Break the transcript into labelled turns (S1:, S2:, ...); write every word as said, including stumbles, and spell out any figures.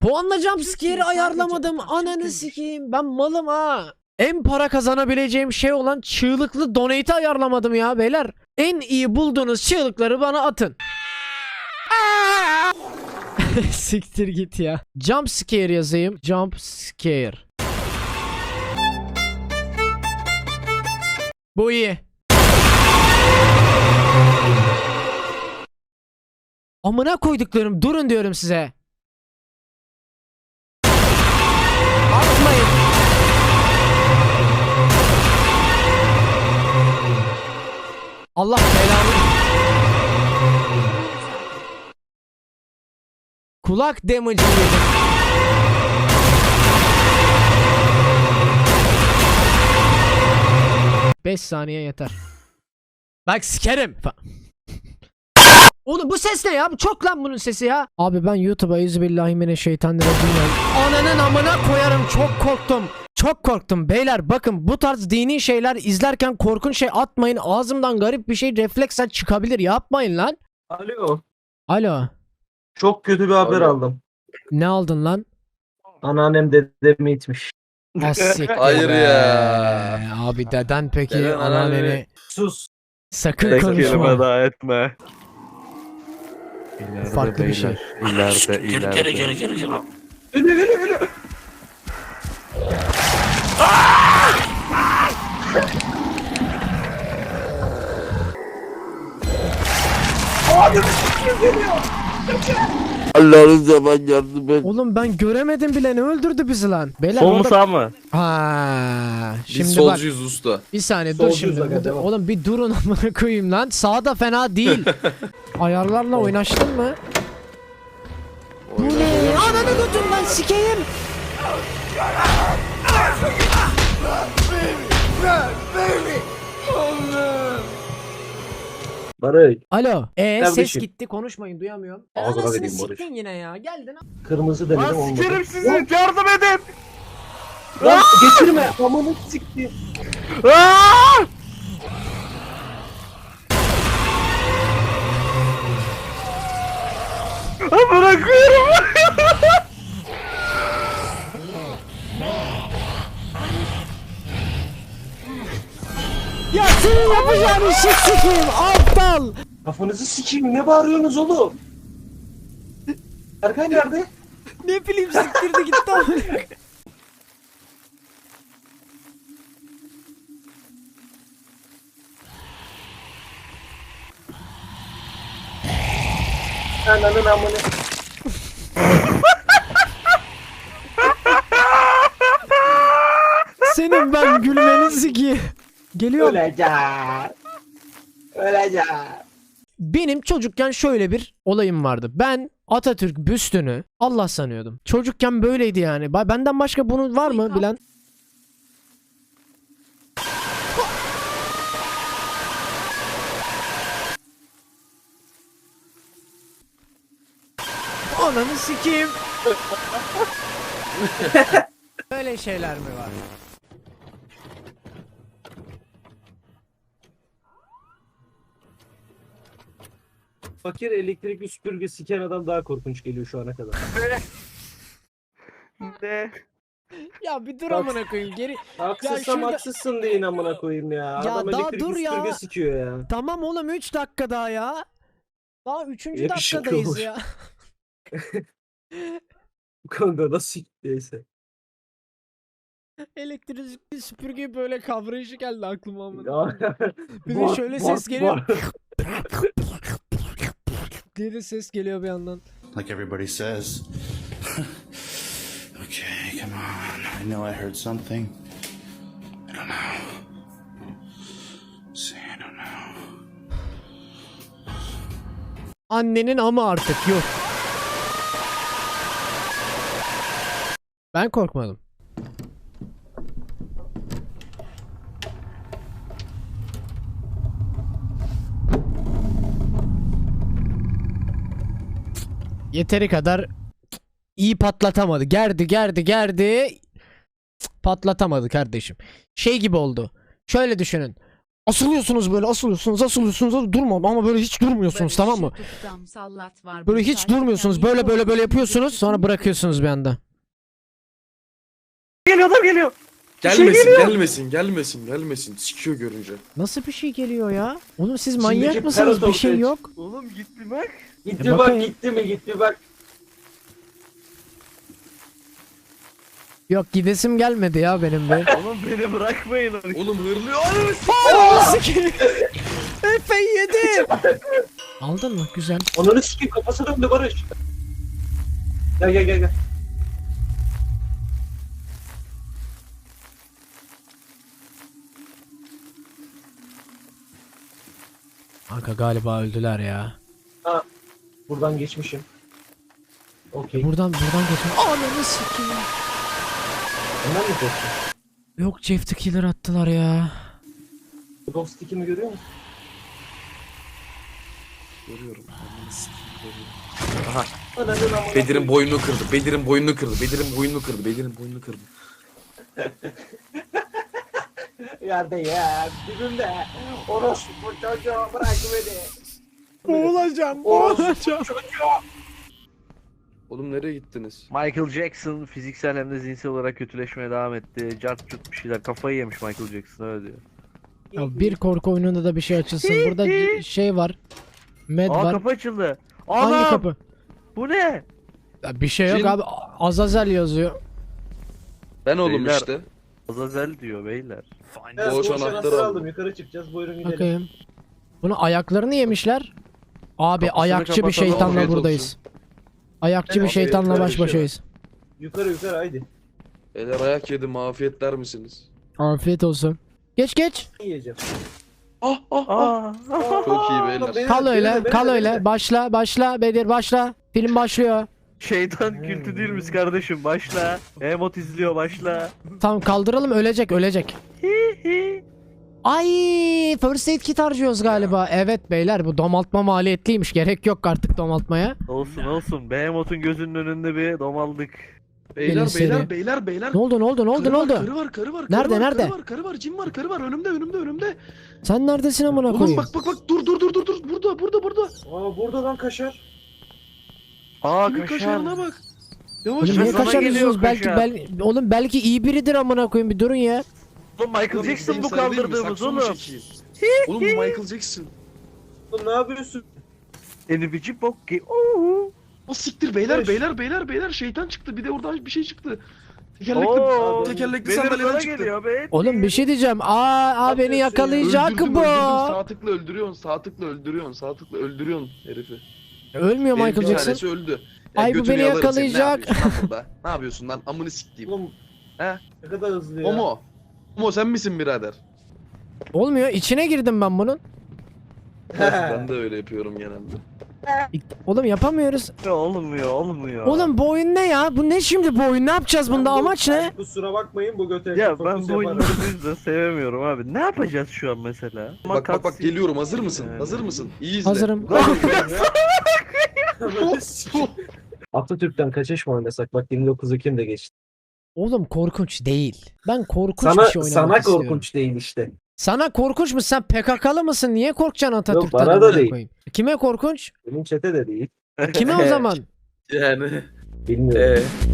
S1: Puanla jumpscare'i ayarlamadım. Ananı sikeyim. Ben malım ha. En para kazanabileceğim şey olan çığlıklı donate'i ayarlamadım ya beyler. En iyi bulduğunuz çığlıkları bana atın. Siktir git ya. Jumpscare yazayım. Jumpscare. Bu iyi. Amına koyduklarım, durun diyorum size. Atmayın. Allah belanı. Kulak damage'ı yedim. beş saniye yeter. Bak sikerim. Oğlum bu ses ne ya? Çok lan bunun sesi ya. Abi ben YouTube'a Euzubillahimineşşeytanirracim ya. Ananın amına koyarım, çok korktum. Çok korktum beyler, bakın bu tarz dini şeyler izlerken korkunç şey atmayın. Ağzımdan garip bir şey refleksen çıkabilir, yapmayın lan.
S2: Alo.
S1: Alo.
S2: Çok kötü bir haber
S3: Alo.
S2: aldım.
S1: Ne aldın lan?
S2: Anneannem dedemi itmiş.
S1: Asik.
S3: Hayır ya.
S1: Abi deden peki
S3: Deden
S1: anneanneni
S3: anneanneni-
S2: Sus.
S1: sakın
S4: Tek
S1: konuşma.
S4: kelime daha etme. İleride
S1: Farklı bir şey.
S4: beyler, İleride, ileride.
S2: Öyle öyle öyle.
S4: Allah'ın zaman yardım et.
S1: Oğlum ben göremedim bile, ne öldürdü bizi lan? Beyler
S4: Sol mu
S1: orada...
S4: sağ mı?
S1: Ha,
S3: Biz
S1: şimdi bak
S3: solcuyuz usta.
S1: bir saniye dur
S2: Solcuyuz
S1: şimdi.
S2: aga,
S1: Bu-
S2: devam.
S1: Oğlum bir durun amına koyayım lan. Sağda fena değil. Ayarlarla oynaştın mı? Bu ne? Ananı götür lan sikeyim.
S2: Barış.
S1: Alo. E ses
S2: Kardeşim.
S1: gitti, konuşmayın, duyamıyorum.
S2: Ağzına
S1: Anasını
S2: vereyim Barış.
S1: siktin yine ya. Geldin.
S2: Kırmızı denedim
S4: Lan
S2: olmadı.
S4: sikerim sizi, yardım edin.
S2: Lan getirme. Amanı sikti.
S4: Aa! Bırakıyorum.
S1: Ya senin yapacağın işi sikeyim aptal.
S2: Kafanızı sikeyim. Ne bağırıyorsunuz oğlum? Erkan nerede?
S1: Ne bileyim, siktirdi gitti amına.
S2: Ananın amını.
S1: Senin ben gülmeni sikeyim. Geliyor.
S2: Öleceğim. Öleceğim.
S1: Benim çocukken şöyle bir olayım vardı. Ben Atatürk büstünü Allah sanıyordum. Çocukken böyleydi yani. Ba- Benden başka bunun var mı bilen? Ananı sikeyim. Böyle şeyler mi var?
S2: Fakir elektrikli süpürge siken adam daha korkunç geliyor şu ana kadar.
S4: Ne?
S1: Ya bir dur
S2: Bak-
S1: amına koyayım geri.
S2: Haksızsam
S1: şurada-
S2: haksızsın deyin amına koyayım ya.
S1: Ya
S2: Adam
S1: daha
S2: elektrikli
S1: dur ya.
S2: süpürge sikiyor ya.
S1: Tamam oğlum, üç dakika daha ya. Daha üçüncü
S2: Yakışıklı
S1: dakikadayız
S2: olur.
S1: ya.
S2: Kanka nasıl siktiyse.
S1: Elektrikli süpürge böyle kavrayışı geldi aklıma amına.
S2: Ya.
S1: Bir de
S2: Bak,
S1: şöyle
S2: bak,
S1: ses geliyor.
S2: bak.
S1: diye de ses geliyor bir yandan.
S5: like everybody says. Okay, come on. I know I heard something. I don't know. See, I don't know.
S1: Annenin ama artık yok. Ben korkmadım. Yeteri kadar iyi patlatamadı. Gerdi gerdi gerdi. Patlatamadı kardeşim. Şey gibi oldu. Şöyle düşünün. Asılıyorsunuz böyle, asılıyorsunuz, asılıyorsunuz, durma ama böyle hiç durmuyorsunuz, tamam mı? Böyle hiç durmuyorsunuz, böyle böyle böyle yapıyorsunuz, sonra bırakıyorsunuz bir anda.
S4: Geliyor adam geliyor.
S3: Gelmesin, gelmesin, gelmesin, gelmesin. Sikiyor görünce.
S1: Nasıl bir şey geliyor ya? Oğlum siz
S2: Şimdiki
S1: manyak mısınız? Bir
S2: Paradox
S1: şey
S2: Edge.
S1: yok.
S4: Oğlum gitti bak.
S2: Gitti
S1: E,
S2: bak
S1: bakayım.
S2: gitti mi gitti bak.
S1: Yok, gidesim gelmedi ya benim be.
S4: Oğlum beni bırakmayın.
S3: Oğlum hırlıyor. Ananı s-
S1: Efe yedi. Aldın mı? Güzel.
S2: Onları sikeyim kafası döndü Barış. Gel gel gel gel.
S1: Kanka galiba öldüler ya.
S2: Buradan geçmişim. Okey.
S1: Buradan buradan geçin. Ananı sikeyim.
S2: Ondan mı korktun?
S1: Yok, Jeff the Killer attılar ya.
S2: Dog stick'imi görüyor musun?
S3: Görüyorum. Ananı sikeyim, görüyorum.
S2: Ananın amına
S3: Bedir'in
S2: koyayım.
S3: boynunu kırdı. Bedir'in boynunu kırdı. Bedir'in boynunu kırdı. Bedir'in boynunu kırdı.
S2: Yerde ya dibimde. Orospu çocuğu bırak beni.
S1: Boğulacağım,
S2: boğulacağım.
S3: Oğlum nereye gittiniz?
S4: Michael Jackson fiziksel hem de zihinsel olarak kötüleşmeye devam etti. Cart curt bir şeyler. Kafayı yemiş Michael Jackson öyle diyor.
S1: Ya bir korku oyununda da bir şey açılsın. Burada c- şey var. Med
S4: Aa
S1: var.
S4: kapı açıldı.
S1: Hangi
S4: Anam!
S1: kapı?
S4: Bu ne?
S1: Ya bir şey yok
S3: Cin.
S1: abi. Azazel yazıyor.
S3: Ben oğlum
S4: Beyler.
S3: işte.
S4: Azazel diyor beyler.
S2: Ben
S3: Boş
S2: boş
S3: anahtarı
S2: anahtarı
S3: aldım.
S2: aldım. Yukarı çıkacağız. Buyurun gidelim.
S1: Bakayım. Bunu ayaklarını yemişler. Abi
S4: Kapısını
S1: ayakçı bir
S4: kapatalım,
S1: şeytanla
S3: afiyet
S1: buradayız. Ayakçı bir
S2: Evet,
S1: şeytanla
S2: afiyet
S1: baş başayız.
S2: Yukarı yukarı haydi.
S3: Beyler ayak yedim. Afiyetler misiniz?
S1: Afiyet olsun. Geç geç.
S2: Ne yiyeceğim?
S3: Ah ah ah.
S4: Aa!
S3: Çok iyi
S2: Aa,
S3: beyler.
S2: beni-
S1: Kal
S2: beni
S1: öyle,
S2: de, beni
S1: kal
S2: de, beni
S1: öyle.
S2: de.
S1: Başla, başla Bedir, başla. Film başlıyor.
S4: Şeytan kültü değil miyiz kardeşim? Başla. Emot izliyor başla.
S1: Tamam, kaldıralım, ölecek, ölecek. Ay, first aid kit harcıyoruz galiba. Evet beyler, bu domaltma maliyetliymiş. Gerek yok artık domaltmaya.
S4: Olsun olsun. Behemoth'un gözünün önünde bir domaldık.
S3: Beyler
S1: Gelin
S3: beyler
S1: seri.
S3: beyler beyler.
S1: Ne oldu, ne oldu, ne oldu,
S3: Karı
S1: ne
S3: var,
S1: oldu?
S3: Karı var, karı var.
S1: Nerede,
S3: karı var,
S1: nerede?
S3: Karı var, karı var, cin var, karı var. Önümde, önümde, önümde.
S1: Sen neredesin amına
S3: Oğlum
S1: koyayım?
S3: bak bak bak. Dur dur dur dur dur. Burada, burada, burada.
S2: Aa burada lan kaşar.
S4: Aa
S3: Kimin
S4: kaşar.
S3: kaşarına bak. Yavaş
S1: Oğlum
S3: yavaş.
S1: niye
S4: sana
S1: kaşar
S4: geliyor
S1: yüzüyorsunuz? Belki
S4: kaşar.
S1: bel oğlum belki iyi biridir amına koyayım, bir durun ya.
S4: Oğlum Michael
S3: Oğlum,
S4: Jackson
S3: benim
S4: bu
S3: sana değil mi?
S4: kaldırdığımız
S3: Saksomu
S4: oğlum.
S3: çekeyim. Oğlum bu Michael Jackson.
S2: Oğlum ne yapıyorsun?
S4: Enibici bokki. Oo.
S3: O siktir beyler
S2: Beş.
S3: beyler beyler beyler şeytan çıktı. Bir de oradan bir şey çıktı. Tekerlekli,
S4: Oo.
S3: tekerlekli
S4: Bedir
S3: sandalyeden
S4: bana
S3: çıktı.
S4: geliyor be.
S1: Oğlum bir şey diyeceğim. Aa, aa beni yakalayacak
S3: Öldürdüm,
S1: bu.
S3: öldürdüm. Sağ tıkla öldürüyorsun, sağ tıkla öldürüyorsun, sağ tıkla öldürüyorsun herifi.
S1: Ölmüyor
S3: Benim
S1: Michael
S3: bir
S1: Jackson.
S3: tanesi öldü. Ya
S1: Ay, bu
S3: götünü
S1: beni
S3: yalarım seni.
S1: yakalayacak.
S3: Ne yapıyorsun lan burada? Ne yapıyorsun lan? Amını siktiğim.
S2: Oğlum.
S3: He?
S2: Ne kadar hızlı ya.
S3: Omo. Omo sen misin birader?
S1: Olmuyor. İçine girdim ben bunun.
S3: Ben de öyle yapıyorum genelde.
S1: Oğlum yapamıyoruz.
S4: Olmuyor olmuyor.
S1: Oğlum bu oyun ne ya? Bu ne şimdi bu oyun? Ne yapacağız bunda?
S2: Ben bu-
S1: Amaç
S2: ben
S1: ne?
S2: Kusura bakmayın bu göte.
S4: Ya
S2: fokus
S4: ben bu
S2: yaparım.
S4: oyunları bu yüzden sevemiyorum abi. Ne yapacağız şu an mesela?
S3: Bak bak bak geliyorum. Hazır mısın?
S4: Yani.
S3: Hazır mısın? İyi izle.
S1: Hazırım.
S2: Atatürk'ten kaçış mı oynasak? Bak yirmi dokuz Ekim'de geçti.
S1: Oğlum korkunç değil. Ben korkunç
S2: Sana,
S1: bir şey oynamak
S2: sana
S1: istiyorum.
S2: korkunç değil işte.
S1: Sana korkunç mu? Sen P K K'lı mısın? Niye korkacaksın Atatürk'ten?
S2: bana da
S1: amına
S2: değil.
S1: koyayım? Kime korkunç?
S2: Benim çete de değil.
S1: Kime o zaman?
S3: Yani.
S2: Bilmiyorum.
S3: Ee,